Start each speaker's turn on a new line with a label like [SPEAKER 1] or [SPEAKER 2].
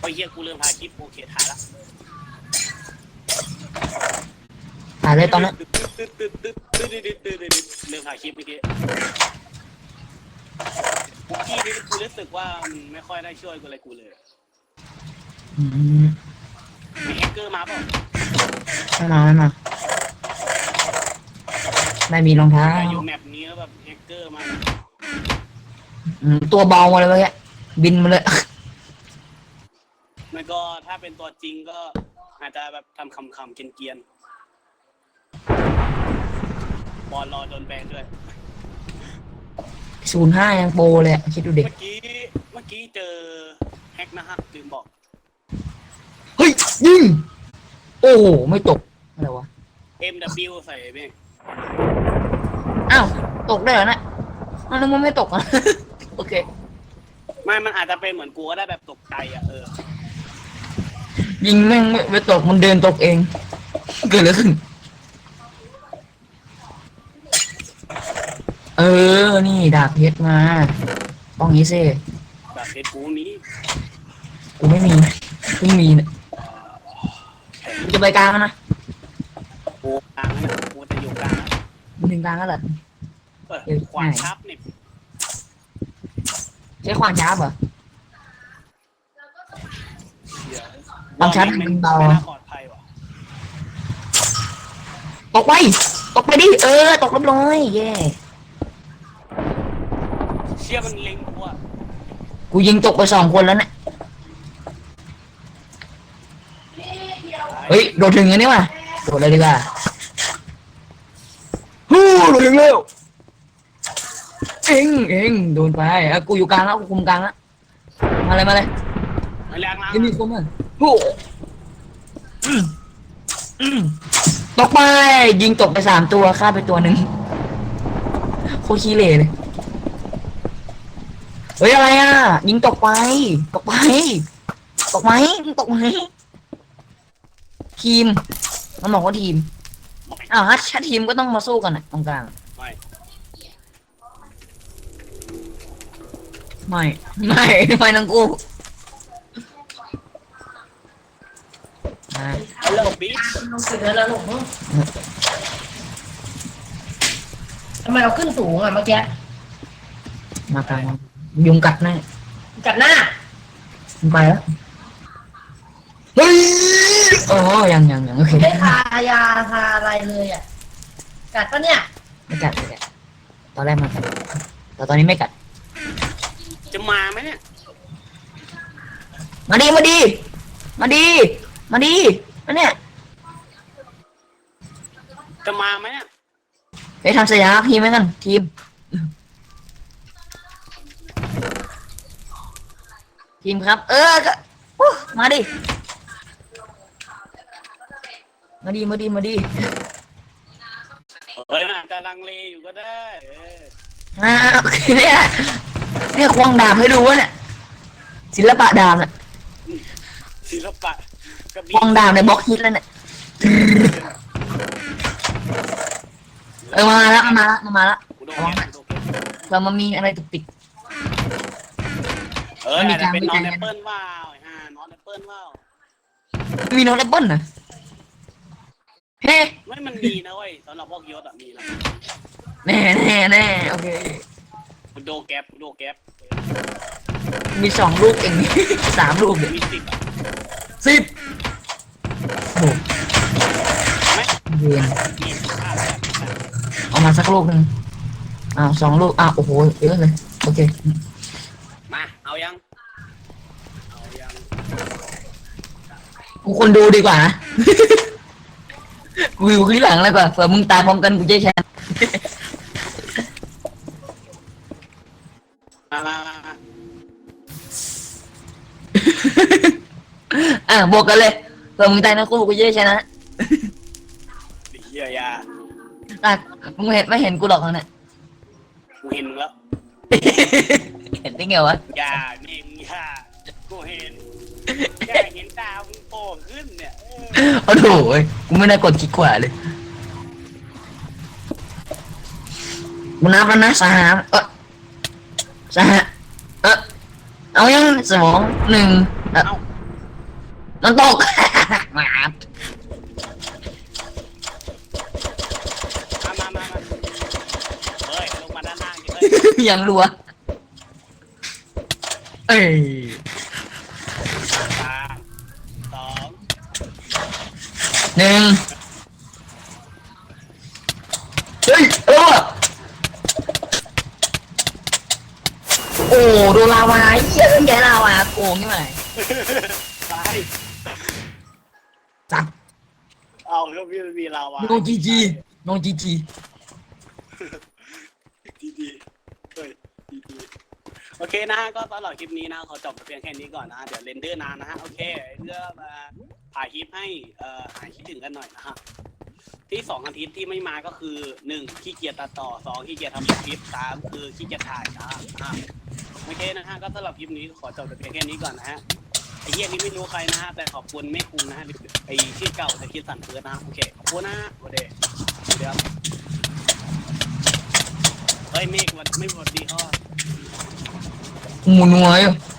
[SPEAKER 1] โอ้ยเฮียกูเริ่มถ่ายคลิปโอเคถ่ายละ
[SPEAKER 2] หาเลยตอนนั้น
[SPEAKER 1] เริ่มถ่ายคลิปเมื่อกี้นี่กูรู้สึกว่ามันไม่ค่อยได้ช่วยกูอะไรกูเลยมีแฮกเกอร์มาเปล่า
[SPEAKER 2] ไม่มาไม่มีรองเท้า
[SPEAKER 1] อยู่แมปนี้แล้วแบบแฮกเกอร์มา
[SPEAKER 2] ตัวเบามาเลยเมื่อกี้บินมาเลย
[SPEAKER 1] มันก็ถ้าเป็นตัวจริงก็อาจจะแบบทำคำเกรียนบอลรอโดนแบนด้วย
[SPEAKER 2] 05ยังโปรเลยคิดดูเด็ก
[SPEAKER 1] เมื่อกี้เจอแฮกนะฮะลืมบอก
[SPEAKER 2] เฮ้ยยิงโอ้โหไม่ตกอะไรวะ
[SPEAKER 1] MW ใส่เบ้ง
[SPEAKER 2] อ้าวตกได้เหรอนะแล้วมันไม่ตกอ่ะ โอเค
[SPEAKER 1] ไม่มันอาจจะเป็นเหมือนกูก็ได้แบบตกใจอ่ะ
[SPEAKER 2] ยิงแม่งไม่ตกมันเดินตกเองเกิดอะไรขึ้นนี่ดาบเพชรมาต้องงี้สิ
[SPEAKER 1] แบบเพชรกูนี้
[SPEAKER 2] กูไม่มีเพิ่งมีเนี่ยกูจะไปกลางแล้วนะ
[SPEAKER 1] กูกลางนะกูจะอยู่กลาง
[SPEAKER 2] มันถึงกลางแล้วเหรอ
[SPEAKER 1] ขวานชับนี่
[SPEAKER 2] ใช้ขวานช้าเหรอ ความชัดมันเบา
[SPEAKER 1] ไม่น่าปลอดภัยว่ะ
[SPEAKER 2] ตกไปดิตกเรียบร้อยเย่
[SPEAKER 1] เชี่ยมันเล็งกูอ่ะ
[SPEAKER 2] กูยิงตกไป2 คนแล้วเนี่ยเฮ้ยโดดถึงอันนี้ว่ะโดดเลยดีกว่าฮู้โดดถึงเร็วเอ็งโดนไปกูอยู่กลางแล้วกูคุมกลางแล้วมาเลย
[SPEAKER 1] ไม่แรงนะ
[SPEAKER 2] ยังมีคนมั้ยฮู้ตกไปยิงตกไป3 ตัวฆ่าไปตัวหนึ่งโคตรขี้เหร่เลยเฮ้ยอะไรอ่ะยิงตกไปทีมมันบอกว่าทีมถ้าทีมก็ต้องมาสู้กันตรงกลางไม่ทั้งกู
[SPEAKER 1] ฮัลโหลบิ๊ก
[SPEAKER 3] ลงสุดแล้วหลงทำไมเราขึ้นสูงอ่ะเมื่อกี้
[SPEAKER 2] มากลางยุงกัดแน่
[SPEAKER 3] กัดหน้า
[SPEAKER 2] มันไปแล้วเฮ้ยยังโอเค
[SPEAKER 3] ไม่ทายาทาอะไรเลยอ่ะกัดปะเนี่ย
[SPEAKER 2] ไม่กัดตอนแรกมันกัดแต่ตอนนี้ไม่กัด
[SPEAKER 1] จะมาไหมเนี่ย
[SPEAKER 2] มาดีอันเนี่ย
[SPEAKER 1] จะมาไหมเนี่ย
[SPEAKER 2] ไปทำสัญญาทีมไหมกันทีมครับก็มาดิ
[SPEAKER 1] เฮ้ยอาจจะลังเลอยู่ก็ได้
[SPEAKER 2] โอเคเนี่ยควงดาบให้ดูวะเนี่ยศิลปะดาบเนี่ย
[SPEAKER 1] ศิลปะกระ
[SPEAKER 2] ควงดาบในบล็อกฮิตแล้วเนี่ยมาแล้ว
[SPEAKER 1] กูโดนแก
[SPEAKER 2] เรามามีอะไรตุกติก
[SPEAKER 1] อาจจะเป็นนอนแอปเปิ้ลว่าวานอนแอปเปิ้ลว่าว
[SPEAKER 2] มีโน้ตแอปเปิ้ลนะเฮ้
[SPEAKER 1] ไม่มันมีนะเว้ยสำหรับพวกยศมีนะ
[SPEAKER 2] แน่โอเค
[SPEAKER 1] โดแก๊ป
[SPEAKER 2] มี2 ลูกเอง 3 ลูกเนี่ย
[SPEAKER 1] มี10
[SPEAKER 2] โอ้เย็นเอามาสักลูกนึง2 ลูกโอ้โหเยอะเลยโอเค
[SPEAKER 1] มาเอายัง
[SPEAKER 2] กูคนดูดีกว่านะ กูอยู่ข้างหลังเลยกว่าเผื่อมึงตายพร้อมกันกูจะแชร์บวกกันเลยเผื่อมึงตายนะกูจะได้ชนะ
[SPEAKER 1] เฮียยา
[SPEAKER 2] มึงไม่เห็นกูหรอกเนี่ย
[SPEAKER 1] กูเห็นมึงแล้ว
[SPEAKER 2] เห็นได้ไงวะ
[SPEAKER 1] ยาเน่งยากูเห็นตามึงโป่งขึ้นเนี่ย
[SPEAKER 2] โอ้โหกูไม่น่ากดคลิกขวาเลยกูนับแล้วนะเอายัง2 1 น้ำตก หมา
[SPEAKER 1] มาเฮ้ยลงมาด้านล่างดิเฮ้ย
[SPEAKER 2] ยังรัวเอ้ย
[SPEAKER 1] 3 2
[SPEAKER 2] 1เฮ้ยโอ้โดนลาวาเยี่ยมแกลาวาโกงนี่ไหม
[SPEAKER 1] ตาย
[SPEAKER 2] จัด
[SPEAKER 1] เอาแล้วมีลาวา
[SPEAKER 2] โนจีจีโนจีจี
[SPEAKER 1] ดีเฮ้ยดีโอเคนะฮะก็สำหรับคลิปนี้นะขอจบเพียงแค่นี้ก่อนนะเดี๋ยวเรนเดอร์นานนะฮะโอเคเพื่อมาถ่ายคลิปให้หายคิดถึงกันหน่อยนะฮะที่2 อาทิตย์ที่ไม่มาก็คือ1ขี้เกียจตัดต่อ2ขี้เกียจทำคลิป3คือขี้เกียจถ่ายนะโอเคนะฮะก็สำหรับคลิปนี้ขอจบเพียงแค่นี้ก่อนนะฮะไอ้เหี้ยนี่ไม่รู้ใครนะฮะแต่ขอบคุณแม่คุณนะฮะไอ้ชื่อเก่าแต่คิดสั่นเฟิร์สนะโอเคขอบคุณนะฮะโอเคเดี๋ยวเฮ้ยเมฆมันไม่หมดดีข้อ
[SPEAKER 2] หมูนัวอยู่